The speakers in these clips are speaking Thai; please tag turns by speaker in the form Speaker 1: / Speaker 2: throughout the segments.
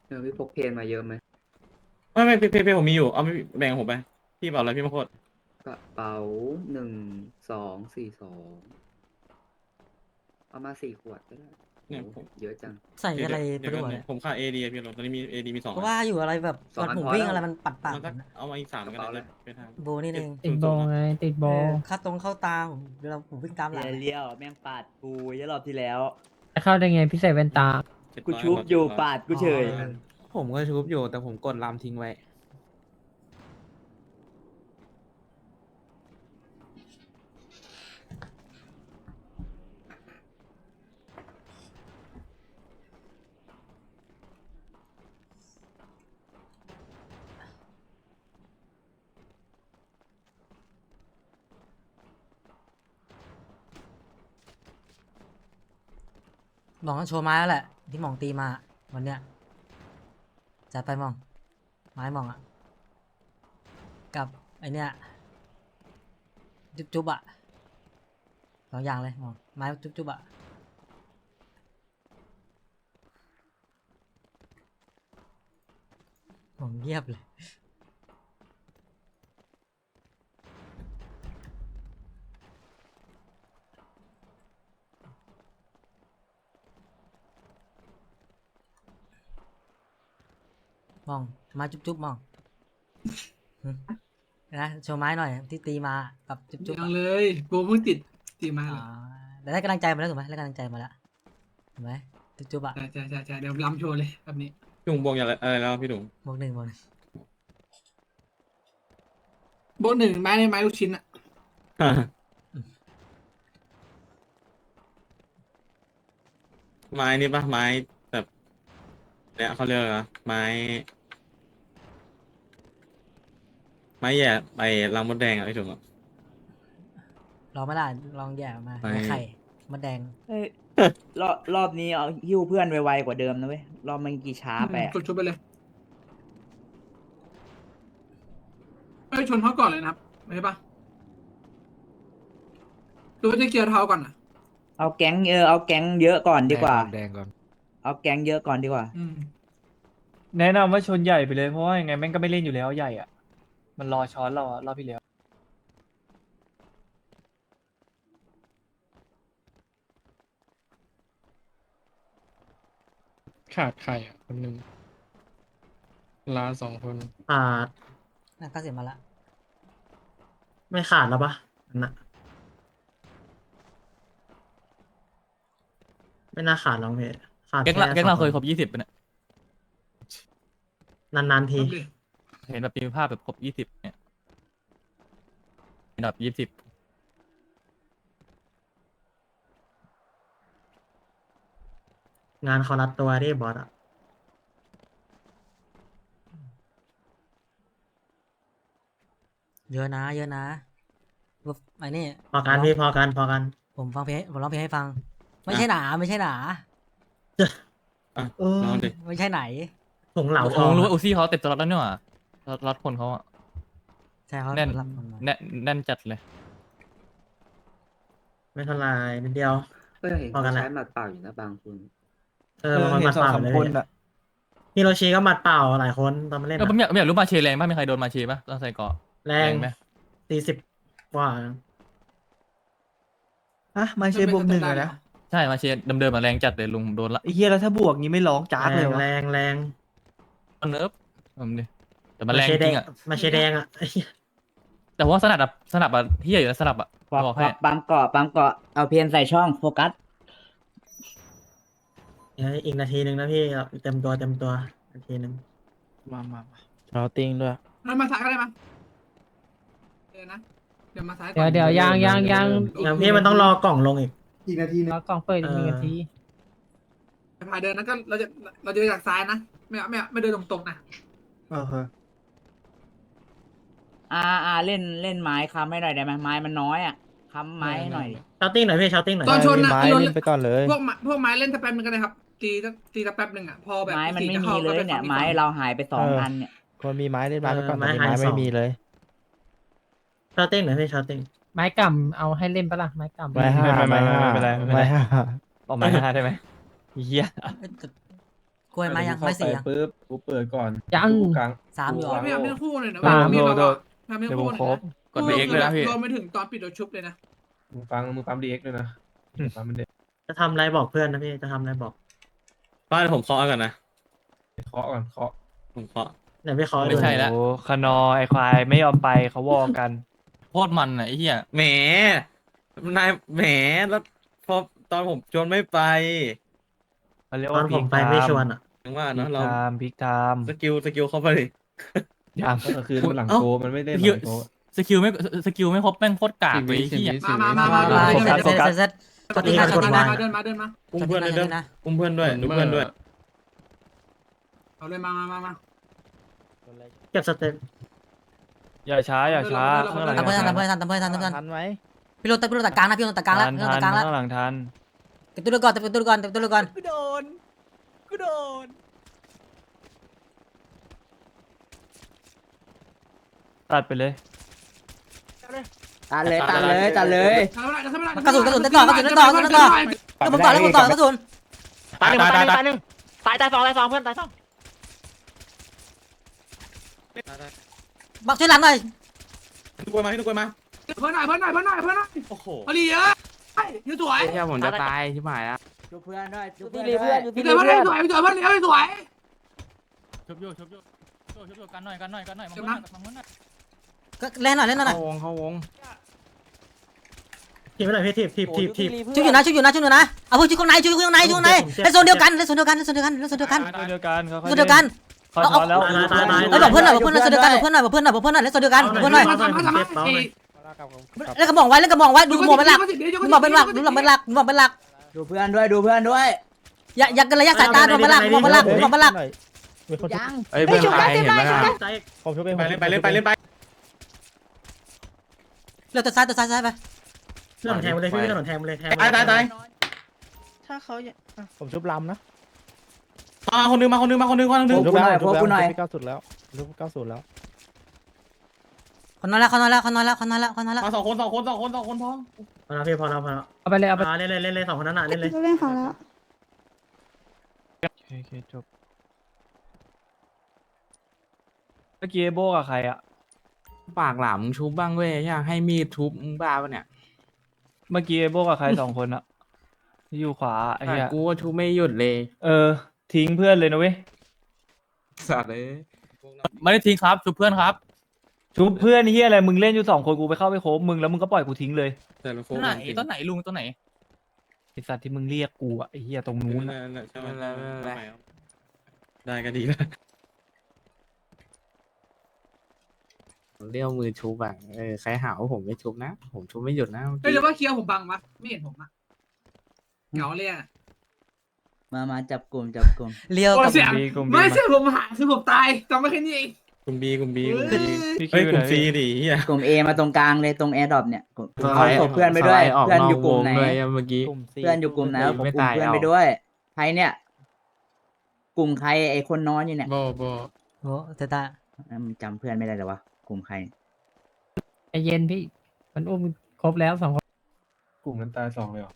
Speaker 1: พี่พกเพนมาเยอะไหม
Speaker 2: ไม่เพผมมีอยู่เอาไม่แบ่งผมไปพี่บอกอะไรพี่มาโคตร
Speaker 1: กระเป๋า1242เอามา4 ขวดก็ได้โห
Speaker 2: เนี่ยผม
Speaker 1: เยอะจัง
Speaker 3: ใส่อะไร
Speaker 2: เดี๋ยวกันเนี่ย
Speaker 3: ไปด้วยเนี่ย
Speaker 2: ผมขาดเอดีพี่ตอนนี้มีเอดีมี2 อัน
Speaker 3: ก็ว่าอยู่อะไรแบบ
Speaker 1: สองอัน
Speaker 3: มันหมู
Speaker 1: พอแล้ว
Speaker 3: วิ่งอะไรมันปัดปัด
Speaker 2: มันสักเอามาอีก3ก็ได้
Speaker 1: กระเป๋าเลย
Speaker 2: ไปทาง
Speaker 3: โบนี่เอง
Speaker 2: ศูนย์ศูนย์อ่ะ
Speaker 4: ติดโบ
Speaker 3: เออเข้าตรงเข้าตาผมเวลาผมวิ่งตามหลังอะ
Speaker 5: เลี้ยวแม่งปาดกูยรอบที่แล้ว
Speaker 4: จะเข้าได้ไงพี่ใส่แว่นตา
Speaker 5: กูชุบอยู่ปาดกูเฉย
Speaker 3: อ๋อ
Speaker 6: ผมก็ชุบอยู่แต่ผมกดลามทิ้งไว้
Speaker 3: หมองต้องโชว์ไม้แล้วแหละที่หมองตีมาวันเนี้ยจัดไปหมองไม้หมองอ่ะกับไอเนี้ยจุ๊บจุ๊บอ่ะ2 อย่างเลยหมองไม้จุ๊บจุ๊บอ่ะหมองเงียบเลยมองไม้จุ๊บจุ๊บมองหึนะโชว์ไม้หน่อยที่ตีมากับจุ๊บจุ๊บ
Speaker 7: ยังเลยโบเพิ่งติดตีมา
Speaker 3: อ๋
Speaker 7: เล
Speaker 3: อย แต่ได้กำลังใจมาแล้วถูกไหมได้กำลังใจมาแล้วถูกไหมจุ๊บๆอ่ะ
Speaker 7: ใช่เดี๋ยวรำโชว์เลยแบบนี้
Speaker 2: พี่หนุ่มบวกอย่างอะไรแล้วพี่หนุ่ม
Speaker 3: บวก 1
Speaker 7: โบหนึ่งไม้ในไม้ลูกชิ้นอะ
Speaker 2: ไม้นี่ปะไม้แบบเนี่ยเขาเรียกอะไรนะไม้แย่ไปรังมดแดงอ่ะพี่ถุงอ่ะ
Speaker 3: ลองไม่ได้ลองแย่มา
Speaker 2: ไป
Speaker 3: ในไข่มดแดง
Speaker 5: เฮ้ยรอบนี้เอาหิ้วเพื่อนไวๆกว่าเดิมนะเว้ยรอบเมื่อกี้ช้าไปอะ
Speaker 7: กดชุบไปเลยเอ้ยชนเขาก่อนเลยนะครับไม่ใช่ปะหรือว่าจะเกียร์เท้าก่อนอะ
Speaker 5: เอาแก๊งเอาแก๊งเยอะก่อนดีกว่า
Speaker 6: แดงก่อน
Speaker 5: เอาแก๊งเยอะก่อนดีกว่า
Speaker 7: อืม
Speaker 4: แนะนำว่าชนใหญ่ไปเลยเพราะว่ายังไงแม่งก็ไม่เล่นอยู่แล้วใหญ่อ่ะมันรอช้อนเราอะรอบที่แล้ว
Speaker 8: ขาดใครอ่ะคนหนึ่งลา2 คน
Speaker 9: ขาด
Speaker 3: น่าก็เสียมาละ
Speaker 9: ไม่ขาดแล้วปะอันน่ะไม่น่าขาดหรอกพี่ขาด
Speaker 10: แก๊ง
Speaker 9: แค่
Speaker 10: เราแก๊งเรา
Speaker 9: 2
Speaker 10: เคยครบ20ปะเนี่ย
Speaker 9: นานๆที
Speaker 7: ครับดิ
Speaker 10: เห็นแบบมีภาพแบบครบ20เนี่ยเป็นแบบ20
Speaker 9: งานเขารัดตัวดิบอสอ่ะ
Speaker 3: เยอะนะเยอะนะไอ้นี่
Speaker 9: พอกันพี่พอกันพอกัน
Speaker 3: ผมฟังเพลงผมร้องเพลงให้ฟัง ไม่ใช่หนาไม่ใช่หนา
Speaker 2: อ่ะ
Speaker 9: เออ
Speaker 2: ลองดิ
Speaker 3: ไม่ใช่ไหน
Speaker 9: ถุงเหลาท
Speaker 10: ผ
Speaker 9: อง
Speaker 10: มรู้
Speaker 9: อะ
Speaker 10: ว่าอูซี่เขาเต็มสล็อตแล้วเนี่ยว่ะสล็อตคนเขาอะ
Speaker 3: ใช่เขา
Speaker 10: แน่น
Speaker 3: รับคนมา
Speaker 10: แน่นจัดเลย
Speaker 9: ไม่เท่าไหรนิดเดียว
Speaker 1: เอ้ย
Speaker 9: พอกัน
Speaker 1: เขา
Speaker 9: นะ
Speaker 1: ใช้หมัดเปล่าอยู่นะบางคน
Speaker 9: บางคนมัดเปล่าเลยฮิโรชิก็มัดเปล่าหลายคนตอนมาเล่น
Speaker 10: ผม
Speaker 9: อะ
Speaker 10: อยากรู้มาเชแรงป่ะมีใครโดนมาเชป่ะตอนใส่เกราะ
Speaker 9: แรง
Speaker 10: ไหม
Speaker 9: 40 กว่า
Speaker 7: ฮะมาเชบวกหนึ่งเลยนะ
Speaker 10: ใช่มาเชเดิมๆมาแรงจัดเลยลุงผมโดนละ
Speaker 7: ไอ้เฮียแล้วถ้าบวกงี้ไม่ร้องจ้า
Speaker 9: แรงแรงแรง
Speaker 10: เนิร์ฟผมดิแต่มันแรงจริงอะ
Speaker 9: มาเชแดงอ่ะ
Speaker 10: แต่ว่าสนับอะเฮียอยู่นะสนับอะบอกให้
Speaker 5: ปั๊มเกาะเอาเพียนใส่ช่องโฟกัส
Speaker 9: เดี๋ยวอีกนาทีหนึ่งนะพี่เต็มตัวนาทีหนึ่ง
Speaker 6: มาเราติ้งด้วย
Speaker 7: แล้วมาซ้ายก็ได้มั้ยเดี๋ยวนะเดี๋ยวมาซ้ายก่
Speaker 4: เดี๋
Speaker 7: อย
Speaker 4: วน เดี๋ยวยัง
Speaker 9: อย่างพี่มันต้องรอกล่องลงอีก
Speaker 7: อีกนาทีนึง
Speaker 4: กล่องเปิดอีก1 นาที
Speaker 7: พายเดินนั้นก็เราจะจากซ้ายนะไม่เดินตรงๆนะ
Speaker 5: เล่นไม้ค้ำให้หน่อยได้ไหมไม้มันน้อยอ่ะค้ำไม้ให้หน่อยดิ
Speaker 9: ชาติ้งหน่อยพี่ชาติ้งหน่อย
Speaker 7: ตอนชนนะโดน
Speaker 6: ไปก่อนเลย
Speaker 7: พวกไม้เล่นสักแป๊บนึงก็ได้ครับตีสักแป๊บนึงอ่ะพอแบบ
Speaker 5: ไม้มันไม่
Speaker 7: จะ
Speaker 5: มี
Speaker 7: ข้า
Speaker 5: เลย
Speaker 7: ก็ป
Speaker 5: เนี่ย
Speaker 7: ฝั่ง
Speaker 5: ไม้เราหายไป2 อันเนี่ย
Speaker 6: คนมีไม้เล่นไม้ไปก่อน
Speaker 9: ไม้
Speaker 6: ตอนนี้
Speaker 9: หาย
Speaker 6: ไม้
Speaker 9: ส
Speaker 6: ไม่
Speaker 9: อง
Speaker 6: มีเลย
Speaker 9: ชาติ้งหน่อยพี่ชาติ้ง
Speaker 4: ไม้กำเอาให้เล่นปะล่ะไม้กำ
Speaker 6: ไม้ห้า
Speaker 10: ไม่เป็นไร
Speaker 6: ไม้ห้า
Speaker 10: บอกไม้ห้าได้ไหมเฮีย
Speaker 3: เอ้ยแต่กล้วยไม้ยังไม้สี่ยัง
Speaker 8: ปุ๊บกูเปิดก่อน
Speaker 9: ยัง
Speaker 8: กูกลาง
Speaker 3: สามอยู่เหรอ
Speaker 7: ไม่ทำเรื่องคู่เลยนะ
Speaker 4: ตาม
Speaker 7: มี
Speaker 4: โท
Speaker 7: แบบ
Speaker 4: ษ
Speaker 7: ว่าทำเรื่อง
Speaker 4: เดี๋ยวผ
Speaker 7: คู่
Speaker 4: ม
Speaker 7: เลย
Speaker 4: ครบ
Speaker 7: นะ
Speaker 10: กดไปเอ็กเลยนะพี่
Speaker 7: รวมไปถึงตอนปิดโดนชุบเลยนะ
Speaker 8: มึงฟังดีเอ็กด้วยนะฟังมันเด็ก
Speaker 9: จะทำอะไรบอกเพื่อนนะพี่จะทำอะไรบอก
Speaker 2: บ้านผมเคาะก่อนนะ
Speaker 8: เคาะก่อนเคาะ
Speaker 2: ผมเคาะ
Speaker 9: เดี๋ยวพี่ขอ
Speaker 10: ไม่ใช่
Speaker 9: ดู
Speaker 10: แล้ว
Speaker 4: โอ้ขนอไอควายไม่ยอมไปเขาวอกัน
Speaker 10: โคตรมันอ่ะไอ้เหี้ย
Speaker 2: แหมนายแหมแล้วพอตอนผมชวนไม่ไป
Speaker 4: เขาเรียก
Speaker 9: ตอ
Speaker 4: ว่าน
Speaker 9: ผมไปไม่ชวนอ่ะ
Speaker 2: ถึงว่า
Speaker 4: พิ
Speaker 2: เนาะ
Speaker 4: ก
Speaker 2: เรา
Speaker 4: ไทม์พิกไทม์
Speaker 2: สกิลเข้าไปดิ
Speaker 4: ยัง
Speaker 8: ก็คือมันหลังโกมันไม่ได้ห
Speaker 10: สกิล
Speaker 8: ลังโก
Speaker 10: สกิลไม่ครบแม่งโคตรกากเลยไอ้เหี้ย
Speaker 7: มา
Speaker 3: เซตกดที่หน้า
Speaker 7: เดิ
Speaker 3: ช็อต
Speaker 7: น
Speaker 3: ที่ห
Speaker 7: มา
Speaker 3: น้า
Speaker 7: เดินมาเดินมา
Speaker 2: อุ้มเพื่อนด้วย
Speaker 3: ช็
Speaker 2: เด้
Speaker 3: อตที่หน้า
Speaker 2: อุ้มเพื่อนด้วยดูเพื่อนด้วย
Speaker 7: เอาเลยมา
Speaker 9: เก็บสเต็ป
Speaker 4: อย่าช้าอย่าช้าข้างหลัง
Speaker 3: ทำเพื่อนทำเพื่อนทำเพื่อนทำเพื่อน
Speaker 6: ทันไหม
Speaker 3: พี่โรตัดกลางนะพี่โรตัดกลางแล้ว
Speaker 4: ทัน
Speaker 3: พี่โร
Speaker 4: ทั
Speaker 3: ตั
Speaker 4: น
Speaker 3: ดกลางแล้ว
Speaker 4: ข้างหลังทัน
Speaker 3: เก็บตัวเรือก่อนเก็บตัวเรือก่อนเก็บตัวเรือก่อน
Speaker 5: กูโดน
Speaker 4: ตัดไปเลย
Speaker 5: ตัดเลย
Speaker 3: กระสุนเต้นต่อกระสุนเต้นต่อกระสุนเต้นต่อแล้วผมต่อแล้วผมต่อกระสุน
Speaker 10: ตายตาย
Speaker 9: ตายสองเพื่อนตายสอง
Speaker 3: บักช่วยหลังหน่อย
Speaker 2: ทุกคนมาทุกคนมา
Speaker 7: เพื่อนหน่อย
Speaker 2: โอ้โห
Speaker 7: เอาดีเยอะยืดสวย
Speaker 6: เชื่อผมจะตายที่หมายแล้ว
Speaker 5: ดูเพื่อนด้วยดู
Speaker 3: พี่ลีเพื่อน
Speaker 7: เดี๋ยวเพื่อนสวยเดี๋ยวเพื่อนเลี้ยวสวย
Speaker 10: ชุบอยู่กันหน่อยมามุนหน่อย
Speaker 3: ก็เล่นหน่อย
Speaker 6: เข้าวง
Speaker 9: ทีไม่ได้พี่ที
Speaker 3: ชุบอยู่นะเอาพวกชุบข้างในเล่นโซนเดียวกันเขา
Speaker 4: เดียวกันเขา
Speaker 3: เดียวกัน
Speaker 4: เขา
Speaker 3: เอา
Speaker 4: ช้อนแล้ว
Speaker 3: บอกเพื่อนหน่อยบอกเพื่อนเล่นโซนเดียวกันบอกเพื่อนหน่อยเล่นโซนเดียวกันบอกเพื่อนหน่อยเล่นกระบอกไว้ดูหมวกเป็นหลักดูหมวกเป็นหลัก
Speaker 5: ดูเพื่อนด้วย
Speaker 3: อย่ากันระยะสายตาดูเป็นหลัก
Speaker 6: ยัง
Speaker 9: เอ้ยเพื่อนตายเห็นไหมล่ะ
Speaker 6: ผมช่วย
Speaker 2: ไปเล่นไป
Speaker 3: เร็วตัวซ้ายไป
Speaker 9: เรื่องแทงเลยพี่เรื่องแทงเลย
Speaker 2: ตาย
Speaker 6: ถ้าเขาผมชุบลำนะ
Speaker 2: มาคนนึง
Speaker 6: ผมชุบแล้วพี่90แล้วชุบ90แล้ว
Speaker 3: คนน้อยแล้ว
Speaker 2: มาสองคนท้อง
Speaker 9: พอแล้วพี่พอแล้ว
Speaker 10: เอาไปเลยเอาไป
Speaker 9: เล่นสองคนนั้นเล่นเลย
Speaker 11: เล่นเขาแล้ว
Speaker 4: โอเคจบเมื่อกี้โบกับใครอะ
Speaker 6: ปากหลามมึงชุบบ้างเว้ยอยากให้มีดทุบมึงบ้าปะเนี่ย
Speaker 4: เมื่อกี้โบกับใคร2 คนอะที่อยู่ขวาไอ้เหี้ย
Speaker 6: กูว่าชุบไม่หยุดเลย
Speaker 4: ทิ้งเพื่อนเลยนะเว้ย
Speaker 6: สัตว์เลย
Speaker 10: ไม่ได้ทิ้งครับชุบเพื่อนครับ
Speaker 4: ชุบเพื่อนเหี้ยอะไรมึงเล่นอยู่2 คนกูไปเข้าไปโคบมึงแล้วมึงก็ปล่อยกูทิ้งเลย
Speaker 2: แต่ละโฟ
Speaker 10: ต้นไหนลุงต้นไหน
Speaker 4: ไอสัตว์ที่มึงเรียกกูอะไอเหี้ยตรงนู้นอะ
Speaker 2: ได้ก็ดีแล้ว
Speaker 6: เรียกมือชุบอ่ะใครหาว่าผมไม่ชุบนะ ผมชุบไม่หยุดนะ
Speaker 7: เฮ้ยหรือว่าเคียวผมบังวะไม่เห็นผมอะเหงาเลยอะ
Speaker 5: มาจับกลุ่ม
Speaker 3: เลี้ยวกับ
Speaker 7: เสียงไม่เสียผมหาคือผมตายจำไม่แค่นี้เอง
Speaker 2: กลุ่มบี
Speaker 4: พี่
Speaker 2: เฮ้ย
Speaker 4: คิว
Speaker 2: กลุ่ม
Speaker 4: ไหน
Speaker 2: ซีดิเฮีย
Speaker 5: กลุ่ม A มาตรงกลางเลยตรงแอร์ดรอปเนี่ยเอาศพเพื่อนไปด้วยเพื่อนอยู่กลุ่มไหน
Speaker 6: เมื่อกี้
Speaker 5: เพื่อนอยู่กลุ่มไหนเอา
Speaker 6: ไม่
Speaker 5: กลุ่ม
Speaker 6: ตาย
Speaker 5: เพื่อน
Speaker 6: เอา
Speaker 5: ไปด้วยใครเนี่ย กลุ่มใครไอคนนอนอยู่เนี่ย
Speaker 8: โบ
Speaker 3: โอ้เตตา
Speaker 5: มันจำเพื่อนไม่ได้เลยวะกลุ่มใคร
Speaker 9: ไอเย็นพี่มันอุ้มครบแล้ว2 คน
Speaker 8: กลุ่มนั้นตาย2เลยเหรอ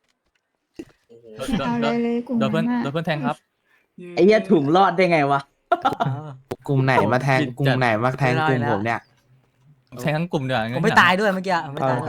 Speaker 11: เอาเลยกลุ่ม
Speaker 10: โดนเพื่อน
Speaker 11: นั้น
Speaker 10: โดนเพื่อนแทงครับ
Speaker 5: ไอ้เหี้ยถุงรอดได้ไงวะ
Speaker 6: กลุ่มไหนมาแทงกลุ่มไหนมาแทงกลุ่มผมเนี่ย
Speaker 10: แทงทั้งกลุ่มเดี๋ยว
Speaker 3: ผมไม่ตายด้วยเมื่อกี้ไม่ตาย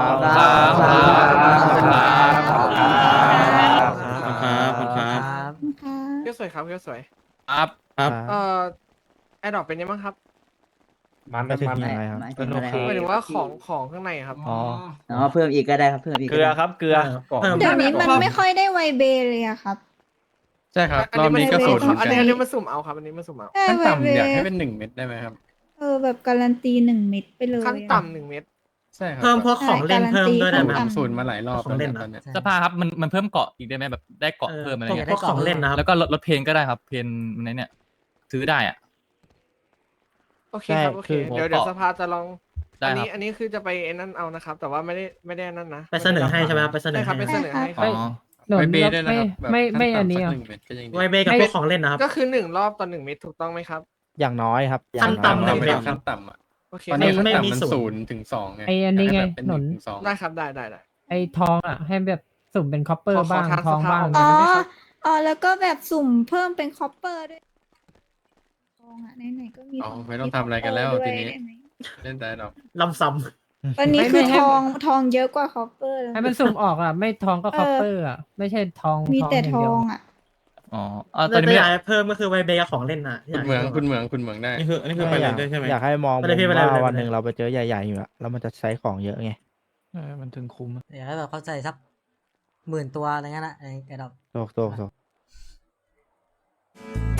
Speaker 2: ครับ
Speaker 11: ครับ
Speaker 12: สวยครับสวย
Speaker 10: ครับ
Speaker 12: แอดดอกเป็นยังไงบ้างครับ
Speaker 8: มันยังไงครับ
Speaker 5: หมายถึงอะไร
Speaker 12: หมายถึงว่าของข้างในครับ
Speaker 4: อ๋อ
Speaker 5: อ๋อเพิ่มอีกก็ได้ครับเพิ่มอีก
Speaker 4: เกลือครับเกลือ
Speaker 11: เดี๋ยวนี้มันไม่ค่อยได้ไวเบเลยอะครับ
Speaker 8: ใช่ครับ
Speaker 12: อัน
Speaker 8: รอบ
Speaker 12: นี้
Speaker 8: นี้ก็สูตรเหมือน
Speaker 12: อัน
Speaker 8: กัน
Speaker 12: นี้มาสุ่มเอาครับ อันนี้มาสุ่มเอา
Speaker 11: ใช่
Speaker 8: ขั้น
Speaker 11: ไวเบ
Speaker 8: ต่ำอยากให้เป็น1 เม็ดได้ไหมครับ
Speaker 11: แบบการันตี1 เม็ดไปเลย
Speaker 12: ขั้นต่ำ1 เม็ด
Speaker 8: ใช่ครับ
Speaker 9: เพิ่มพวกของเล่นเพิ่มด้วยได้ไหม
Speaker 8: ผมสูตรมาหลายรอบ
Speaker 9: ของเล่น
Speaker 8: ตอนเนี้ย
Speaker 10: สภาครับมันเพิ่มเกาะอีกได้ไหมแบบได้เกาะเพิ่มอะไรเงี้ย
Speaker 9: พวกของเล่นนะครับ
Speaker 10: แล้วก็ลดเพนก็ได้ครับเพนในเนี่ยซื้อได้อ่ะ
Speaker 12: โอเคครับโอเค
Speaker 10: ใช่คือ
Speaker 12: เดี๋ยวสภาจะลอง
Speaker 10: ได้
Speaker 12: อัน
Speaker 10: ครั
Speaker 12: นี้
Speaker 10: บ
Speaker 12: อันนี้คือจะไปไอ้นั่นเอานะครับ แต่ว่าไม่ได้นั่นนะ
Speaker 9: ไปเสนอให้ใช่ไหมไปเสนอ
Speaker 12: ใช่ครับ
Speaker 9: ให้
Speaker 12: ไปเสนอให้ค
Speaker 10: อ๋
Speaker 12: รับ
Speaker 10: อ
Speaker 8: ไปเบย์ด้วยนะครับแบบขั้นต่ำสัก1 เม็ดก็ยังดี
Speaker 9: ไวเบกับพวกของเล่นนะครับ
Speaker 12: ก็คือ1 รอบต่อ1 เม็ดถูกต้องไหมครับ
Speaker 6: อย่างน้อยครับ
Speaker 9: ขั้นต่ำ
Speaker 8: 1 เม็ดขั้นต่ำอ่ะ
Speaker 12: โอเค
Speaker 8: ตอนนี้ขั้น
Speaker 9: ไม่มี
Speaker 8: ต่ำมัน
Speaker 9: ศูนย์
Speaker 8: 0 ถึง 2ไง
Speaker 9: ไอ้อันนี้ไง
Speaker 8: ให้แบบเป็น
Speaker 9: หนุน
Speaker 8: 1 ถึง 2
Speaker 12: ได้ครับได้
Speaker 9: ไอ้ทองอ่ะให้แบบสุ่มเป็นคอปเปอ
Speaker 12: ขอ
Speaker 9: ร์บ้าง
Speaker 12: ทาง
Speaker 9: ทอง
Speaker 12: สภา
Speaker 9: บ้าง
Speaker 12: ออก
Speaker 11: อ๋
Speaker 12: มา
Speaker 11: อ
Speaker 12: ได้ไหมครับ
Speaker 11: อ๋อแล้วก็แบบสุ่มเพิ่มเป็นคอปเปอร์ด้วยทองอ่ะไหนๆก็มี
Speaker 8: อ๋อ
Speaker 11: ของ
Speaker 8: ไม่ต้องทำอะไรกันแล้ว
Speaker 11: ด้วย
Speaker 8: ทีนี้
Speaker 11: ได้ไหม
Speaker 8: เล่นแต่ดอก
Speaker 9: ลำซ้
Speaker 11: ตอนนี้คือทองเยอะกว่าคอปเปอร์แล้ว
Speaker 4: ให้มันสุ่มออกอ่ะ ไม่ทองก็คอปเปอร์อ่ะ ไม่ใช่ทอง
Speaker 11: มีแต่
Speaker 4: ย่า
Speaker 11: ท
Speaker 4: เดี
Speaker 11: อ
Speaker 4: ยว
Speaker 11: งอ่ะ
Speaker 10: อ๋อ
Speaker 9: ำ
Speaker 10: ตอนนี้ไม่
Speaker 9: อยากให้เพิ่มก็คือไวเบกับของเล่นน่ะที่
Speaker 8: คุณเหมือง
Speaker 9: ยากให้
Speaker 8: คุณเหมืองคุณเหมืองได้
Speaker 2: อันนี้คือไปเล่นด้วยใช่ไหม
Speaker 6: อยากให้มอง
Speaker 9: ไปเลยพี่ไปเลย
Speaker 6: ว่า
Speaker 9: ไปเลย
Speaker 6: วันหนึ่งเราไปเจอใหญ่ๆอยู่อะแล้วมันจะใช้ของเยอะไง
Speaker 4: มันถึงคุ้มอะ
Speaker 3: อยากให้แบบเข้าใจสัก10,000 ตัวอะไรเงี้ยนะไอ้ดอก
Speaker 6: โต